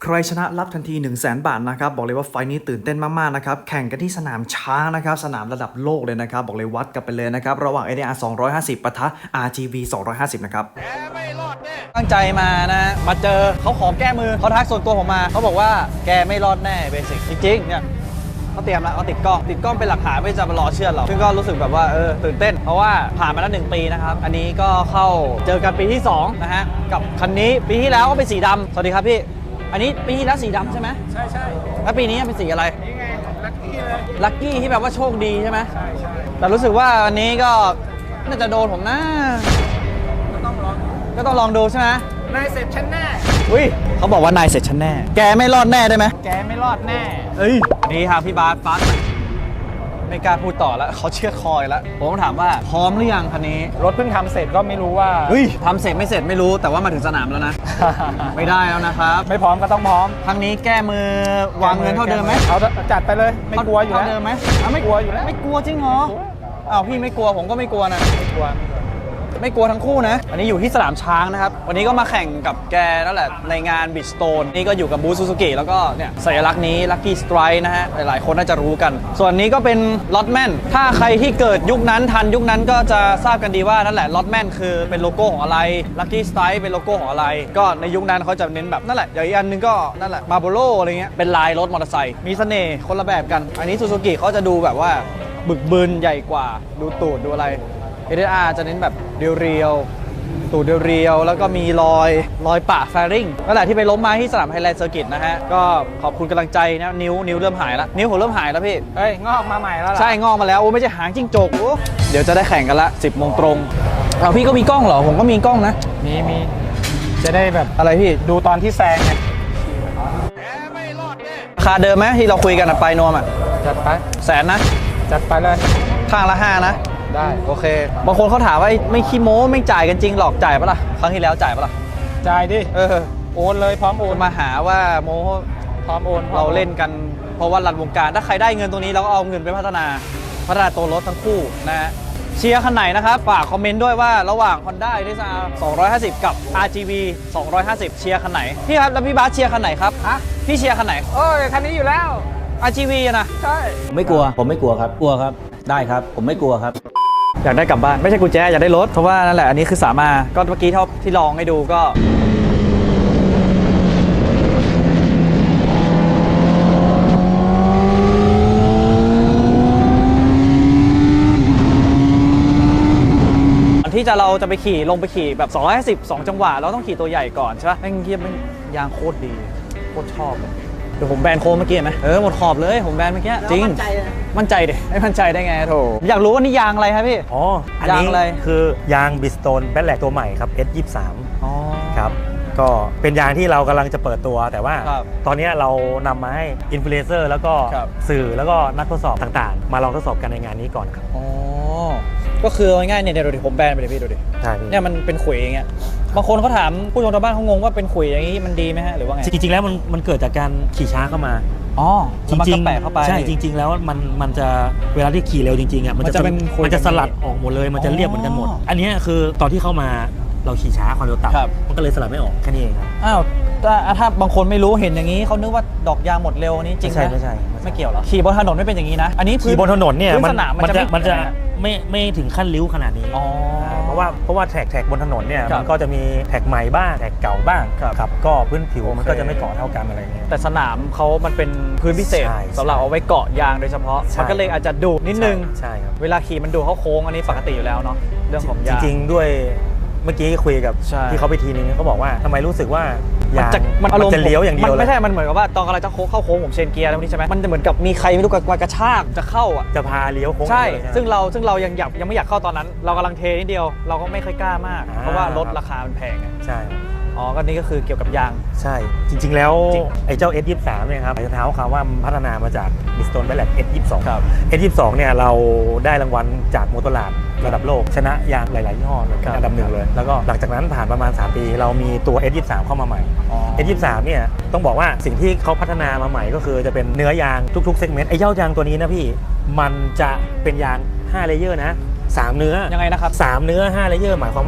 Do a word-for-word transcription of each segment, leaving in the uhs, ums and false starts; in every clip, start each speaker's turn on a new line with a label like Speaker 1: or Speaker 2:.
Speaker 1: ใครชนะรับทันที หนึ่งแสน บาทนะครับบอกเลยว่าไฟนี้ตื่นเต้นมากๆนะครับแข่งกันที่สนามช้างนะครับสนามระดับโลกเลยนะครับบอกเลยวัดกันไปเลยนะครับระหว่าง เอ ดี อาร์ สองร้อยห้าสิบปะทะ อาร์ จี วี สองร้อยห้าสิบนะครับ
Speaker 2: แกไม่รอดแน่ตั้งใจมานะมาเจอเขาขอแก้มือเขาทักส่วนตัวผมมาเขาบอกว่าแกไม่รอดแน่เบสิกจริงๆเนี่ยเขาเตรียมแล้วเขาติดกล้องติดกล้องเป็นหลักฐานไม่จะมารอเชื่อเราซึ่งก็รู้สึกแบบว่าเออตื่นเต้นเพราะว่าผ่านมาแล้วหนึ่งปีนะครับอันนี้ก็เข้าเจอกันปีที่สองนะฮะกับคันนี้ปีที่แล้วก็เป็นสีดำสวัสดีครับพี่อันนี้ปีที่แล้วสีดำใช่ไหมใช่ใช่แล้วปีนี้เป็นสีอะไรนี่ไงลัคกี้เลยลัคกี้ที่แบบว่าโชคดีใช่ไหมใช่ใช่แต่รู้สึกว่าวันนี้ก็น่าจะโดนผมนะก็ต้องลองก็ต้องลองดูใช่ไหมนายเสร็จฉันแน่อุ้ยเขาบอกว่านายเสร็จฉันแน่แกไม่รอดแน่ได้ไหมแกไม่รอดแน่เอ้ยนี่ครับพี่บาสฟัสไม่กล้าพูดต่อแล้วเขาเชื่อคอยแล้วผมถามว่าพร้อมหรือยังคันนี้
Speaker 3: รถเพิ่งทำเสร็จก็ไม่รู้ว่า
Speaker 2: เฮ้ยทำเสร็จไม่เสร็จไม่รู้แต่ว่ามาถึงสนามแล้วนะ ไม่ได้แล้วนะครับ
Speaker 3: ไม่พร้อมก็ต้องพร้อม
Speaker 2: ครั้งนี้แก้มือวางเงินเท่าเดิมไหม
Speaker 3: เอาจัดไปเลยไม่กลัวอยู่แล้ว
Speaker 2: เท่าเดิมไหม
Speaker 3: ไม่กลัวอยู่แล้ว
Speaker 2: ไม่กลัวจริงเหรออ้าวพี่ไม่กลัวผมก็ไม่กลัวนะ
Speaker 3: ไม่กลัว
Speaker 2: ไม่กลัวทั้งคู่นะอันนี้อยู่ที่สนามช้างนะครับวันนี้ก็มาแข่งกับแกนั่นแหละในงานบิชสโตนนี่ก็อยู่กับบูธซูซูกิแล้วก็เนี่ยสัญลักษณ์นี้ลัคกี้สไตร์นะฮะหลายๆคนน่าจะรู้กันส่วนนี้ก็เป็นล็อตแมนถ้าใครที่เกิดยุคนั้นทันยุคนั้นก็จะทราบกันดีว่านั่นแหละล็อตแมนคือเป็นโลโก้ของอะไรลัคกี้สไตร์เป็นโลโก้ของอะไรก็ในยุคนั้นเขาจะเน้นแบบนั่นแหละอย่างอีกอันนึงก็นั่นแหละมาโบโลอะไรเงี้ยเป็นลายรถมอเตอร์ไซค์มีเสน่ห์คนละแบบกันอันนี้ซูซูกิเขาจะดูแบบว่าบึกบึนใหญ่กว่าดูตูดดูอะไร เอ ดี อาร์ จะเน้นแบบเรียวตูดเรียวๆแล้วก็มีรอยรอยปะแฟริงนั่นแหละที่ไปล้มมาที่สนามไฮแลนด์เซอร์กิตนะฮะก็ขอบคุณกำลังใจนะนิ้วนิ้วเริ่มหายแล้วนิ้วผมเริ่มหายแล้วพี่
Speaker 3: เอ้ยงอกมาใหม่แล้ว
Speaker 2: ใช่งอกมาแล้วโอ้ไม่ใช่หางจิ้งจกเดี๋ยวจะได้แข่งกันละสิบโมงตรงเอาพี่ก็มีกล้องเหรอผมก็มีกล้องนะ
Speaker 3: มีมีจะได้แบบ
Speaker 2: อะไรพี่
Speaker 3: ดูตอนที่แซงไง
Speaker 2: ราคาเดิมไหมที่เราคุยกันอะไปนวมอะ
Speaker 3: จัดไป
Speaker 2: แสนนะ
Speaker 3: จัดไปเลย
Speaker 2: ข้างละห้านะ
Speaker 3: ได้
Speaker 2: โอเคบางคนเขาถามว่าไม่ขี้โม้ไม่จ่ายกันจริงหรอกจ่ายปะล่ะครั้งที่แล้วจ่ายปะล่ะ
Speaker 3: จ่ายดิ
Speaker 2: เออ
Speaker 3: โอนเลยพร้อมโอน
Speaker 2: มาหาว่าโม้
Speaker 3: พร้อมโอน
Speaker 2: เราเล่นกันเพราะว่ารันวงการถ้าใครได้เงินตรงนี้เราก็เอาเงินไปพัฒนาพัฒนาตัวรถทั้งคู่นะฮะเชียร์คันไหนนะครับฝากคอมเมนต์ด้วยว่าระหว่าง Honda เอ ดี อาร์ สองร้อยห้าสิบ กับ อาร์ จี วี สองร้อยห้าสิบเชียร์คันไหนพี่ครับแล้วพี่บาสเชียร์คันไหนครับฮะพี่เชียร์คันไหน
Speaker 3: เอ้ยคันนี้อยู่แล้ว
Speaker 2: อาร์ จี วี นะ
Speaker 3: ใช่
Speaker 4: ไม่กลัวผมไม่กลัวครับกลัวครับได้ครับผมไม่กลัวครับ
Speaker 2: อยากได้กลับบ้านไม่ใช่กุญแจอยากได้รถเพราะว่านั่นแหละอันนี้คือสามารถก็เมื่อกี้ที่ที่ลองให้ดูก็ที่จะเราจะไปขี่ลงไปขี่แบบสองร้อยห้าสิบ สองจังหวะเราต้องขี่ตัวใหญ่ก่อนใช่ป่ะแม่งเทียบแม่งยางโคตรดีโคตรชอบเลยเดี๋ยวผมแบนโค้งเมื่อกี้ไหมเออหมดขอบเลยผมแบนเมื่อกี้จริงมั่นใจเลยมั่นใจดิไม่มั่นใจได้ไงโถอยากรู้ว่านี่ยางอะไรครับพี่
Speaker 5: อ๋ออันนี้อะไรคือยางบิสโตนแบทแลกตัวใหม่ครับ เอส ยี่สิบสาม
Speaker 2: อ๋อ
Speaker 5: ครับก็เป็นยางที่เรากำลังจะเปิดตัวแต่ว่าตอนนี้เรานำมาให้อินฟลูเอนเซอร์แล้วก็สื่อแล้วก็นักทดสอบต่างๆมาลองทดสอบกันในงานนี้ก่อนครับ
Speaker 2: อ๋อก็คือง่ายๆเนี่ยเดี๋ยวดูดิผมแบนไปเลยพี่ดูดิเนี่ยมันเป็นขุยอย่างเงี้ยบางคนเขาถามผู้ชมทางบ้านเขางงว่าเป็นขุยอย่างนี้มันดีไหมฮะหรือว่าไง
Speaker 5: จริงๆแล้วมันมันเกิดจากการขี่ช้าเข้ามา
Speaker 2: อ๋อ
Speaker 5: จริง
Speaker 2: ๆแปะเข้าไป
Speaker 5: ใช่จริงๆแล้วมันมันจะเวลาที่ขี่เร็วจริงๆอ่ะมันจะเป็นมันจะสลัดออกหมดเลยมันจะเรียบเหมือนกันหมดอันนี้คือตอนที่เข้ามาเราขี่ช้าความเร็วต่ำมันก็เลยสลัดไม่ออกแค่นี้เองครับ
Speaker 2: อ้าวถ้าบางคนไม่รู้เห็นอย่างนี้เขานึกว่าดอกยางหมดเร็วนี้จริงไหม
Speaker 5: ไม่ใช่
Speaker 2: ไม่เกี่ยวหรอขี่บนถนนไม่เป็นอย่างนี้นะอันนี้
Speaker 5: ขี่บนถนนเนี่ย
Speaker 2: มัน
Speaker 5: มันจะมันจะไม่ไม่ถึงขั้นริ้วขนาดนี้เพราะว่าเพราะว่าแท็กแท็กบนถนนเนี่ยมันก็จะมีแท็กใหม่บ้างแท็กเก่าบ้างครับก็พื้นผิวมันก็จะไม่เกาะเท่ากันอะไรเงี้ย
Speaker 2: แต่สนามเขามันเป็นพื้นพิเศษสำหรับเอาไว้เกาะยางโดยเฉพาะมันก็เลยอาจจะดูนิดนึง
Speaker 5: ใช่ครับ
Speaker 2: เวลาขี่มันดูเข้าโค้งอันนี้ปกติอยู่แล้วเนาะเรื่องของยาง
Speaker 5: จริงๆด้วยเมื่อกี้คุยกับที่เขาไปทีนึงเขาบอกว่าทำไมรู้สึกว่ายาง
Speaker 2: มันอารมณ์
Speaker 5: จะเลี้ยวอย่างเดียวเลย
Speaker 2: ไม่ใช่มันเหมือนกับว่าตอนกำลังจะโค้งเข้าโค้งผมเชนเกียร์แล้วนี่ใช่ไหมมันจะเหมือนกับมีใครไม่รู้กระชากจะเข้าอ่ะ
Speaker 5: จะพาเลี้ยวโค้ง
Speaker 2: ใช่ซึ่งเราซึ่งเรายังอยากยังไม่อยากเข้าตอนนั้นเรากำลังเทนิดเดียวเราก็ไม่ค่อยกล้ามากเพราะว่ารถราคามันแพง
Speaker 5: ใช่
Speaker 2: อ๋อก็นี่ก็คือเกี่ยวกับยาง
Speaker 5: ใช่จริงๆแล้วไอ้เจ้า เอส ยี่สิบสาม เนี่ยครับจะเท้าความว่าพัฒนามาจาก Bridgestone Ballet เอส ยี่สิบสอง
Speaker 2: ครับ
Speaker 5: เอส ยี่สิบสอง เนี่ยเราได้รางวัลจากมอเตอร์ลาดระดับโลกชนะยางหลายๆยี่ห้อเป็นอันดับหนึ่งเลยแล้วก็หลังจากนั้นผ่านประมาณสามปีเรามีตัว เอส ยี่สิบสาม เข้ามาใหม่ เอส ยี่สิบสาม เนี่ยต้องบอกว่าสิ่งที่เขาพัฒนามาใหม่ก็คือจะเป็นเนื้อยางทุกๆเซกเมนต์ไอ้เจ้ายางตัวนี้นะพี่มันจะเป็นยางห้าเลเยอร์นะสามเนื้อ
Speaker 2: ยังไงนะครับ
Speaker 5: สามเนื้อห้าเลเยอร์หมายความว่า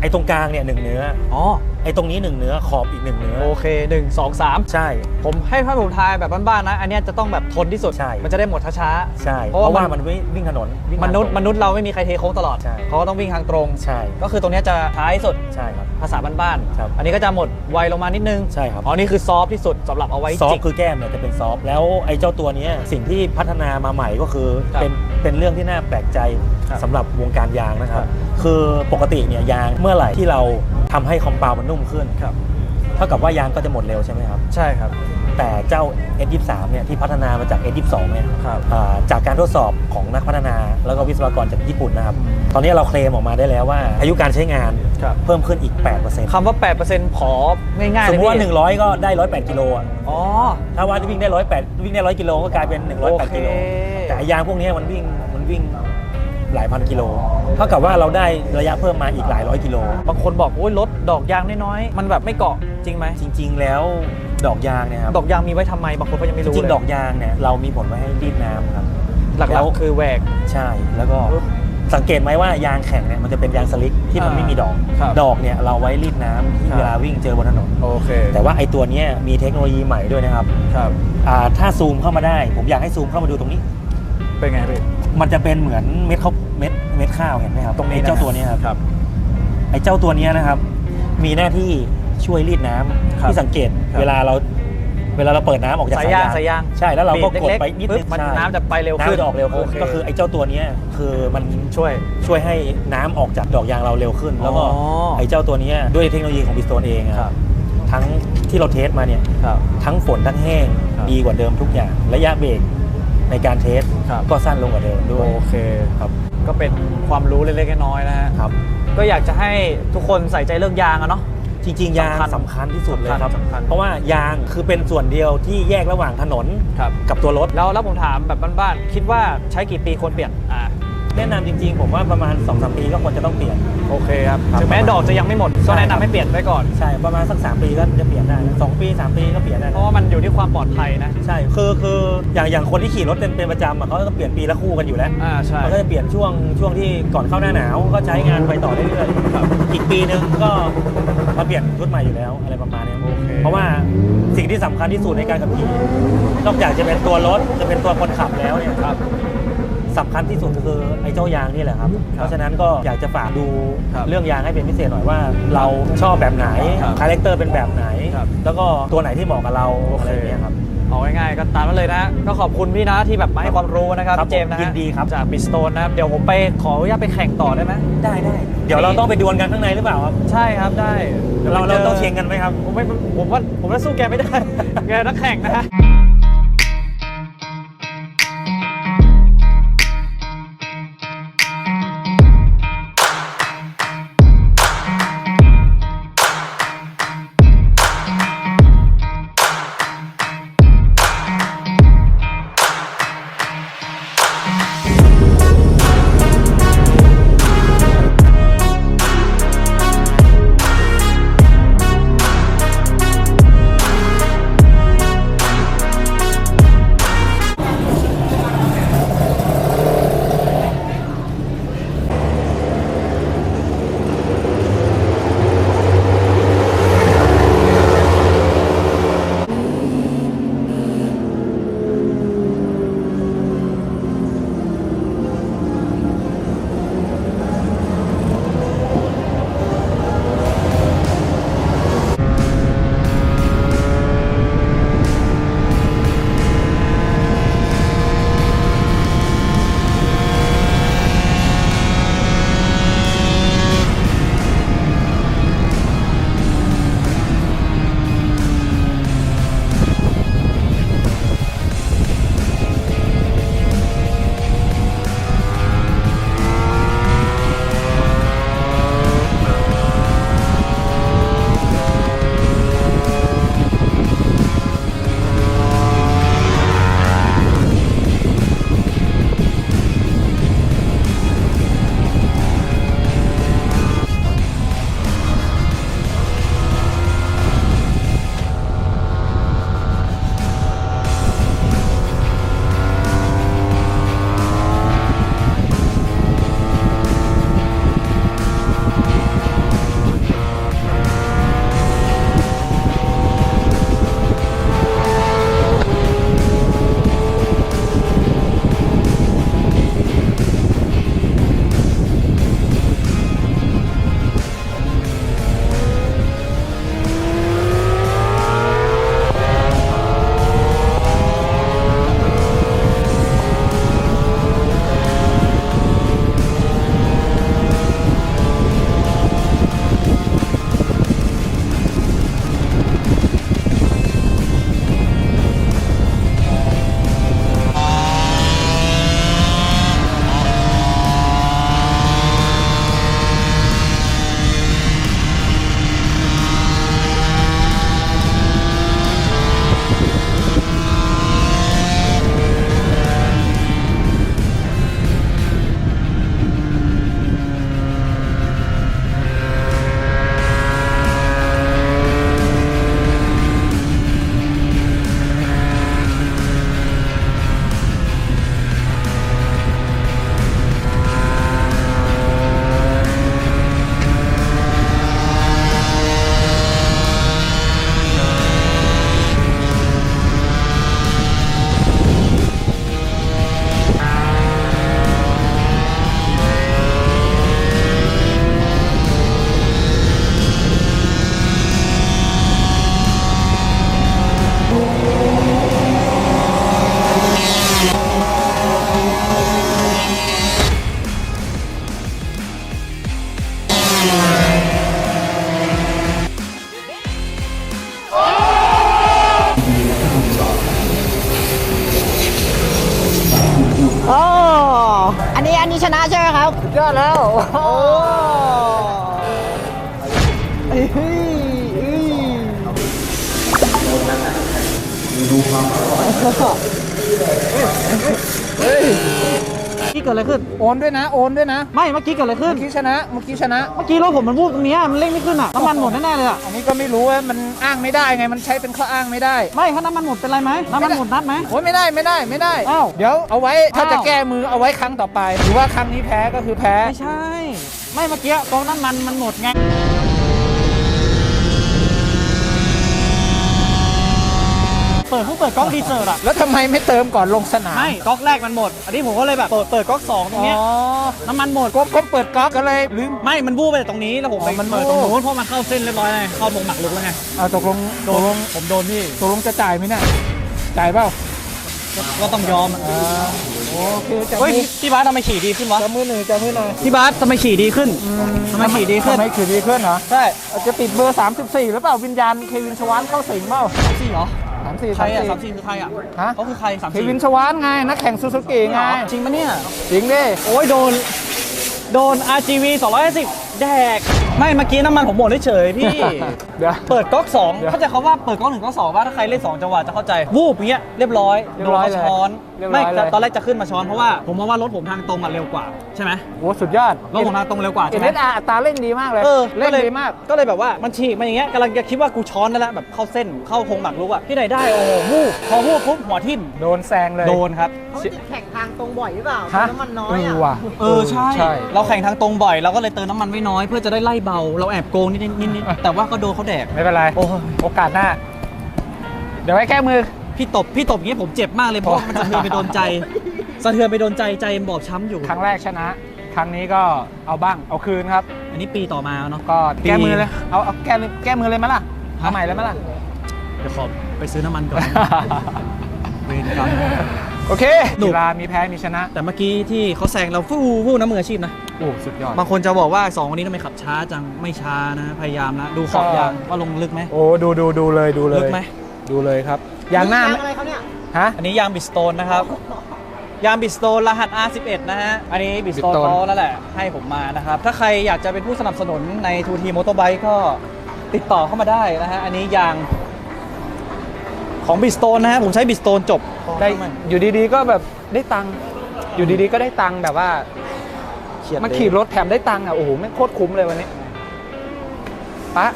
Speaker 5: ไอ้ตรงกลางเนี่ยหนึ่งเนื้อ
Speaker 2: อ๋อ
Speaker 5: ไอ้ตรงนี้หนึ่งเนื้อขอบอีกหนึ่งเนื้อ
Speaker 2: โอเคหนึ่ง สอง สาม
Speaker 5: ใช่
Speaker 2: ผมให้ถ้าผมทายแบบบ้านๆนะ อันเนี้ยจะต้องแบบทนที่สุด
Speaker 5: ใช่
Speaker 2: มันจะได้หมดช้า
Speaker 5: ใช่
Speaker 2: เพ
Speaker 5: เพ
Speaker 2: ราะ
Speaker 5: ราะ
Speaker 2: ว่า
Speaker 5: ว่า
Speaker 2: มั
Speaker 5: มัน นวิ่งวิ่งถนนวิ่ง
Speaker 2: ๆมนุษย์
Speaker 5: ทางตรง
Speaker 2: มนุษย์เราไม่มีใครเทโค้งตลอด
Speaker 5: ใช่
Speaker 2: เขาก็ต้องวิ่งทางตรง
Speaker 5: ใช่
Speaker 2: ก็คือตรงเนี้ยจะท้ายสุด
Speaker 5: ใช่ครับ
Speaker 2: ภาษาบ้าน
Speaker 5: ครับ
Speaker 2: ๆอันนี้ก็จะหมดไวลงมานิดนึง
Speaker 5: ใช่ครับ
Speaker 2: อ๋อนี่คือซอฟต์ที่สุดสำหรับเอาไว้
Speaker 5: ซอฟ
Speaker 2: จิก
Speaker 5: ต์คือแก้มเนี่ยจะเป็นซอฟต์แล้วไอ้เจ้าตัวเนี้ยสิ่งที่พัฒนามาใหม่ก็คือ
Speaker 2: ครับ
Speaker 5: เป็นเป็นเรื่องที่น่าแปลกใจ
Speaker 2: ครับ
Speaker 5: สำหรับวงการยางนะครั
Speaker 2: ครับ บ
Speaker 5: คือปกติเนี่ยยางเมื่อไหร่ที่เราทำให้คอมเปามันนุ่มขึ้น
Speaker 2: ครับ
Speaker 5: เท่ากับว่ายางก็จะหมดเร็วใช่ไหมครับ
Speaker 2: ใช่ครับ
Speaker 5: แต่เจ้า เอส ยี่สิบสาม เนี่ยที่พัฒนามาจาก เอส ยี่สิบสอง เนี่ย
Speaker 2: ครับ
Speaker 5: อ่าจากการทดสอบของนักพัฒนาแล้วก็วิศวกรจากญี่ปุ่นนะครับ ตอนนี้เราเคลมออกมาได้แล้วว่าอายุการใช้งาน
Speaker 2: ครับ
Speaker 5: เพิ่มขึ้นอีก แปดเปอร์เซ็นต์
Speaker 2: คำว่า แปดเปอร์เซ็นต์ ของ่ายๆ
Speaker 5: สมมติว่า
Speaker 2: เลยพี่
Speaker 5: หนึ่งร้อยก็ได้หนึ่งร้อยแปดกิโลอ่ะ
Speaker 2: อ๋อ
Speaker 5: ถ้าว่าวิ่งได้หนึ่งร้อยแปดวิ่งได้หนึ่งร้อยกิโลก็กลายเป็นหนึ่งร้อยแปด
Speaker 2: โอเค
Speaker 5: กิโลแต่ไอ้ยางพวกนี้มันวิ่งมันวิ่งหลายพันกิโลเท่ากับว่าเราได้ระยะเพิ่มมาอีกหลายร้อยกิโล
Speaker 2: บางคนบอกโอ้ยรถดอกยางน้อยๆมันแบบไม่เกาะจริงไหม
Speaker 5: จริง ๆ แล้วดอกยางเนี่ยครับ
Speaker 2: ดอกยางมีไว้ทำไมบางคนก็ยังไม่
Speaker 5: จ
Speaker 2: รู้
Speaker 5: ริง
Speaker 2: เลย
Speaker 5: ๆดอกยางเนี่ยเรามีผลไว้ให้รีดน้ำครับ
Speaker 2: หลั
Speaker 5: แล้
Speaker 2: ก
Speaker 5: ว
Speaker 2: ๆคือแหวก
Speaker 5: ใช่แล้วก็สังเกตไหมว่ายางแข็งเนี่ยมันจะเป็นยางสลิกที่มัน
Speaker 2: อ่า
Speaker 5: ไม่มีดอก
Speaker 2: ครับ
Speaker 5: ดอกเนี่ยเราไว้รีดน้ำที่
Speaker 2: ครับ
Speaker 5: เวลาวิ่งเจอบนถนน
Speaker 2: โอเค
Speaker 5: แต่ว่าไอ้ตัวเนี้ยมีเทคโนโลยีใหม่ด้วยนะครับ
Speaker 2: ครับ
Speaker 5: อ่าถ้าซูมเข้ามาได้ ผมอยากให้ซูมเข้ามาดูตรงนี้
Speaker 2: เป็นไงพี่
Speaker 5: มันจะเป็นเหมือนเม็ดข้าวเม็ดเม็ดข้าวเห็นไหมครับ
Speaker 2: ตรงนี้
Speaker 5: ไอ้เจ้า
Speaker 2: นะ
Speaker 5: ตัวเนี้ยครับ
Speaker 2: ครับ
Speaker 5: ไอ้เจ้าตัวเนี้ยนะครับ มีหน้าที่ช่วยรีดน้ำ
Speaker 2: ครับ
Speaker 5: ที่สังเกต
Speaker 2: ครับ
Speaker 5: เวลาเราเวลาเราเปิดน้ำออกจาก
Speaker 2: สายยางสายยาง
Speaker 5: ใช่แล้วเราก็กด
Speaker 2: เล็กๆ
Speaker 5: ไปนิดนึ
Speaker 2: ปึ๊
Speaker 5: ง
Speaker 2: บมัน
Speaker 5: ใช่
Speaker 2: น้ำจะไปเร็วขึ้น
Speaker 5: น้ำจะออกเร็วขึ้น
Speaker 2: โอเค
Speaker 5: ก็คือไอ้เจ้าตัวเนี้ยคือมัน
Speaker 2: ช่วย
Speaker 5: ช่วยให้น้ำออกจากดอกยางเราเร็วขึ้น แล้วก็
Speaker 2: อ๋อ
Speaker 5: ไอ้เจ้าตัวเนี้ยด้วยเทคโนโลยีของบิสโตนเองอะ
Speaker 2: ครับ
Speaker 5: ทั้งที่เราเทสมาเนี่ย
Speaker 2: ครับ
Speaker 5: ทั้งฝนทั้งแห้ง
Speaker 2: ครับ
Speaker 5: ดีกว่าเดิมทุกอย่าง ระยะเบรกในการเทส
Speaker 2: ครับ
Speaker 5: ก็สั้นลงกว่าเดิมด้วย
Speaker 2: โอเค
Speaker 5: ครับ
Speaker 2: ก็เป็นความรู้เล็กๆน้อยๆนะฮะ
Speaker 5: ครับ
Speaker 2: ก็อยากจะให้ทุกคนใส่ใจเรื่องยางอะเนาะ
Speaker 5: จริงๆ ยาง
Speaker 2: สำคัญ
Speaker 5: สำคัญที่สุดเลยครับ
Speaker 2: สำคัญ
Speaker 5: เพราะว่ายางคือเป็นส่วนเดียวที่แยกระหว่างถนน
Speaker 2: ครับ
Speaker 5: กับตัวรถ
Speaker 2: แล้วแล้วผมถามแบบบ้านๆคิดว่าใช้กี่ปีควรเปลี่ยนอ่า
Speaker 5: แนะนำจริงๆ ผมว่าประมาณ สองสาม ปีก็ควรจะต้องเปลี่ยน
Speaker 2: โอเคครับ
Speaker 5: ครับ
Speaker 2: ถึงแม้ดอกจะยังไม่หมด
Speaker 5: ใช่
Speaker 2: ก็แนะ
Speaker 5: ครับ
Speaker 2: นำให้เปลี่ยนไว้ก่อน
Speaker 5: ใช่ประมาณสักสามปีก็จะเปลี่ยนได้นะสองปีสามปีก็เปลี่ยนได้
Speaker 2: เพ
Speaker 5: นะ
Speaker 2: ราะว่ามันอยู่ที่ความปลอดภัยนะ
Speaker 5: ใช่คือคืออย่างอย่างคนที่ขี่รถเป็นเป็นประจำอะเขาก็เปลี่ยนปีละคู่กันอยู่แล้ว
Speaker 2: อ่าใช่
Speaker 5: มันก็จะเปลี่ยนช่วงช่วงที่ก่อนเข้าหน้าหนาวก็ใช้งานไปต่อเรื่อยๆครับอีกปีนึงก็มาเปลี่ยนชุดใหม่อยู่แล้วอะไรประมาณนี้
Speaker 2: โอเค
Speaker 5: เพราะว่าสิ่งที่สำคัญที่สุดในการขับขี่นอกจากจะเป็นตัวรถจะเป็นตัวคนขับแล้วเนี่ย
Speaker 2: ครับ
Speaker 5: สำคัญที่สุดคือไอ้เจ้ายางนี่แหละครับ เพราะฉะนั้นก็อยากจะฝากดู
Speaker 2: ครับ
Speaker 5: เรื่องยางให้เป็นพิเศษหน่อยว่า เราชอบแบบไหน
Speaker 2: ครับ
Speaker 5: คาแรคเตอร์เป็นแบบไหน
Speaker 2: ครับ
Speaker 5: แล้วก็ตัวไหนที่เหมาะกับเรา
Speaker 2: โอ
Speaker 5: อะไร
Speaker 2: เค
Speaker 5: อย่างเงี้ยครับ
Speaker 2: เอาง่ายๆก็ตามนั้นเลยนะ ก็ขอบคุณพี่นะที่แบบมาให้ความรู้นะครับ
Speaker 5: ครับ
Speaker 2: พี่เจมส์นะ
Speaker 5: ผมยินดีครับ
Speaker 2: จากบิสโตนนะครับ เดี๋ยวผมไปขออนุญาตไปแข่งต่อได้ไหม
Speaker 5: ได้ได้เดี๋ยวเราต้องไปดวลกันข้างในหรือเปล่าครับ
Speaker 2: ใช่ครับได้ดี๋ยว
Speaker 5: เรา
Speaker 2: ไป
Speaker 5: เรา
Speaker 2: จ
Speaker 5: ต้องเชียงกันไหมครับ
Speaker 2: ผมไม่ผมว่าผมว่าสู้แกไม่ได้ แกนักแข่งนะฮะ
Speaker 3: ยอดแล้ว
Speaker 2: โอ้เฮ้ยเฮ้ยนี่เกิดอะไรขึ้น
Speaker 3: โอนด้วยนะ โอนด้วยนะ
Speaker 2: ไม่เมื่อกี้เกิดอะไรขึ้น
Speaker 3: เมื่อกี้ชนะ เมื่อกี้ชนะ
Speaker 2: เมื่อกี้รถผมมันวูบตรงเนี้ยมันเร่งไม่ขึ้นอ่ะน้ำมันหมดแน่ๆเลยอ่ะ
Speaker 3: อันนี้ก็ไม่รู้ว่ามันอ้างไม่ได้ไง มันใช้เป็นข้ออ้างไม่ได้
Speaker 2: ไม่ถ้าน้ำมันหมดเป็นไรไหมน้ำมันหมดนัดไหม
Speaker 3: โอ้ยไม่ได้ไม่ได้ไม่ได้
Speaker 2: อ้าว
Speaker 3: เดี๋ยวเอาไว้ถ้า
Speaker 2: อ้าว
Speaker 3: จะแก้มือเอาไว้ครั้งต่อไป หรือว่าครั้งนี้แพ้ก็คือแพ้
Speaker 2: ไม่ใช่ ไม่เมื่อกี้กองน้ำมันมันหมดไงเปิดเพิ่งเปิดก๊อกดีเซอร์อะ
Speaker 3: แล้วทำไมไม่เติมก่อนลงสนาม
Speaker 2: ไม่ก๊อกแรกมันหมด อันนี้ผมก็เลยแบบเปิดเปิดก๊อกสองตรงเนี้ย
Speaker 3: อ๋อ
Speaker 2: น้ำมันหมด
Speaker 3: ก็ก็เปิดก๊อกก็เลยลืม
Speaker 2: ไม่มันวูบไปตรงนี้แล้วผมไป
Speaker 3: อ๋อมัน
Speaker 2: เปิดตรง
Speaker 3: วูบ
Speaker 2: นู้นเพราะมันเข้าเส้นเรียบร้อยไงเข้าตรงหมักลุกแล้วไง
Speaker 3: เอาตกลง
Speaker 2: โด
Speaker 3: ตกล
Speaker 2: น
Speaker 3: ง
Speaker 2: ผมโดนพี่
Speaker 3: ตกลงจะจ่ายไหมเนี่ยจ่ายเปล่า
Speaker 2: ก็ต้องยอมอะ
Speaker 3: อ่าโอเคจับ
Speaker 2: เฮ้ย
Speaker 3: มือ
Speaker 2: พี่บาสทำไมขี่ดีขึ้นวะ
Speaker 3: จับมือหนึ่งจับมือหน่อย
Speaker 2: พี่บาสทำไมขี่ดีขึ้นทำไมขี่ดีขึ้น
Speaker 3: ทำไมขี่ดีขึ้นเหรอ
Speaker 2: ใช่
Speaker 3: อาจจะติดเบอร์สามสิบสี่หรือเปล่าวิญญาณเควินชวานเข้าสิงเปล่า
Speaker 2: สามสี่เหรอ
Speaker 3: สามสี่
Speaker 2: ใครอะสามสี่คือใครอะ
Speaker 3: ฮะ
Speaker 2: เขาคือใครสาม
Speaker 3: เค
Speaker 2: สี่
Speaker 3: วินชวานไงนักแข่งซูซูกิไง
Speaker 2: จริงปะเนี่ย
Speaker 3: จริงดิ
Speaker 2: โอ้ยโดน โดน อาร์ จี วี สองร้อยห้าสิบแดก ไม่เมื่อกี้น้ำมันผมหมดเฉยๆพี่
Speaker 3: เดี๋ยว
Speaker 2: เปิดก๊อกสอง
Speaker 3: เดี๋ยว
Speaker 2: เข้าใจคำว่าเปิดก๊อกหนึ่งก๊อกสองว่าถ้าใครเล่นสองจังหวะจะเข้าใจ วูบอย่างเงี้ยเรียบร้อย
Speaker 3: เรียบร้อย
Speaker 2: โดน
Speaker 3: เลย
Speaker 2: เขาช้อน
Speaker 3: เรียบร้
Speaker 2: ไม่
Speaker 3: อยเลย
Speaker 2: ตอนแรกจะขึ้นมาช้อนเพราะว่าผมมองว่ารถผมทางตรงอ่ะเร็วกว่าใช่ไหม
Speaker 3: โอ้สุดยอด
Speaker 2: รถผมทางตรงเร็วกว่า
Speaker 3: เอ็
Speaker 2: ใช่
Speaker 3: น
Speaker 2: ไหม
Speaker 3: เอสอาร์อัตราเร่งดีมากเลย
Speaker 2: เออ
Speaker 3: เล่น
Speaker 2: ก็เลย
Speaker 3: ดีมาก
Speaker 2: ก็เลยแบบว่ามันฉีกมาอย่างเงี้ยกำลังจะคิดว่ากูช้อนได้แล้วแบบเข้าเส้นเข้าโครงหมักลุกอ่ะที่ไหนได้โอ้โหวูบพอวูบปุ๊บหัวทิ่ม
Speaker 3: โดนแซงเลย
Speaker 2: โดนครับ
Speaker 6: เขาติดแข่งทางตรงบ่อยหรือเปล่า
Speaker 3: ฮะ
Speaker 6: น้ำมันน้อ
Speaker 3: เอย อ
Speaker 6: อ่ะ
Speaker 3: ว่ะ
Speaker 2: เออใช่
Speaker 3: ใช่
Speaker 2: เราแข่งทางตรงบ่อยเราก็เลยเติมน้ำมันไว้น้อยเพื่อจะได้ไล่เบาเราแอบโกงนิดๆนิดๆแต่ว่าก็โดนเขาแดก
Speaker 3: ไม่เป็นไร
Speaker 2: โอ้ย
Speaker 3: โอกาสหน้า เดี๋ยวไว้แก้มือ
Speaker 2: พี่ตบพี่ตบอย่างงี้ผมเจ็บมากเลยเพราะว่ามันสะเทือนไปโดนใจสะเทือนไปโดนใจใจบอบช้ำอยู่
Speaker 3: ครั้งแรกชนะ ครั้งนี้ก็เอาบ้างเอาคืนครับ
Speaker 2: อันนี้ปีต่อมาเนาะ
Speaker 3: ก็
Speaker 2: ปี
Speaker 3: แก้มือเลย เอาเอาแก้เลยแก้มือเลยไหมล่ะเอาใหม่เลยไหมล่ะ
Speaker 2: เดี๋ยวขอไปซื้อน้ำมันก่อนเวรกรรม
Speaker 3: โอเค
Speaker 2: หนุก
Speaker 3: กีฬามีแพ้มีชนะ
Speaker 2: แต่เมื่อกี้ที่เขาแซงเราฟู่ฟู่น้ำมืออาชีพนะ
Speaker 3: โอ้สุดยอด
Speaker 2: บางคนจะบอกว่าสองคนนี้ทำไมขับช้าจังไม่ช้านะพยายามนะดูขอบ
Speaker 3: ก็
Speaker 2: ยางว่าลงลึกไหม
Speaker 3: โอ้ดูดูดูเลยดูเลย
Speaker 2: ลึกไหม
Speaker 3: ดูเลยครับยางหน้า
Speaker 6: ยางอะไรเขาเนี่ย
Speaker 3: ฮะ
Speaker 2: อันนี้ยางบิสโตนนะครับยางบิสโตนรหัส อาร์ สิบเอ็ด นะฮะอันนี้บิสโตน
Speaker 3: Bridgestone
Speaker 2: เขาแล้วแหละให้ผมมานะครับถ้าใครอยากจะเป็นผู้สนับสนุนใน ทู ที Motorbike ก็ติดต่อเข้ามาได้นะฮะอันนี้ยางของบิสโตนนะฮะผมใช้บิสโตนจบ
Speaker 3: ได้อยู่ดีๆก็แบบได้ตังค์อยู่ดีๆก็ได้ตังค์แบบว่า
Speaker 2: เขียน
Speaker 3: มาขี่รถแถมได้ตังค์อ่ะโอ้โหไม่งโคตรคุ้มเลยวันนี้ปะ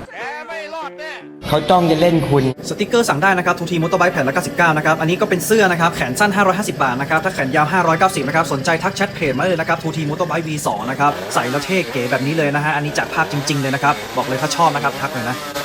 Speaker 7: เขาจ้องจะเล่นคุณ
Speaker 1: สติกเกอร์สั่งได้นะครับ ทู ที Motorbike แผ่นละเก้าสิบเก้านะครับ อันนี้ก็เป็นเสื้อนะครับ แขนสั้น ห้าร้อยห้าสิบ บาทนะครับ ถ้าแขนยาว ห้าร้อยเก้าสิบ นะครับ สนใจทักแชทเพจมาเลยนะครับ ทู ที Motorbike วี สอง นะครับ ใส่แล้วเท่เก๋แบบนี้เลยนะฮะ อันนี้จัดภาพจริง ๆ เลยนะครับ บอกเลยถ้าชอบนะครับ ทักเลยนะ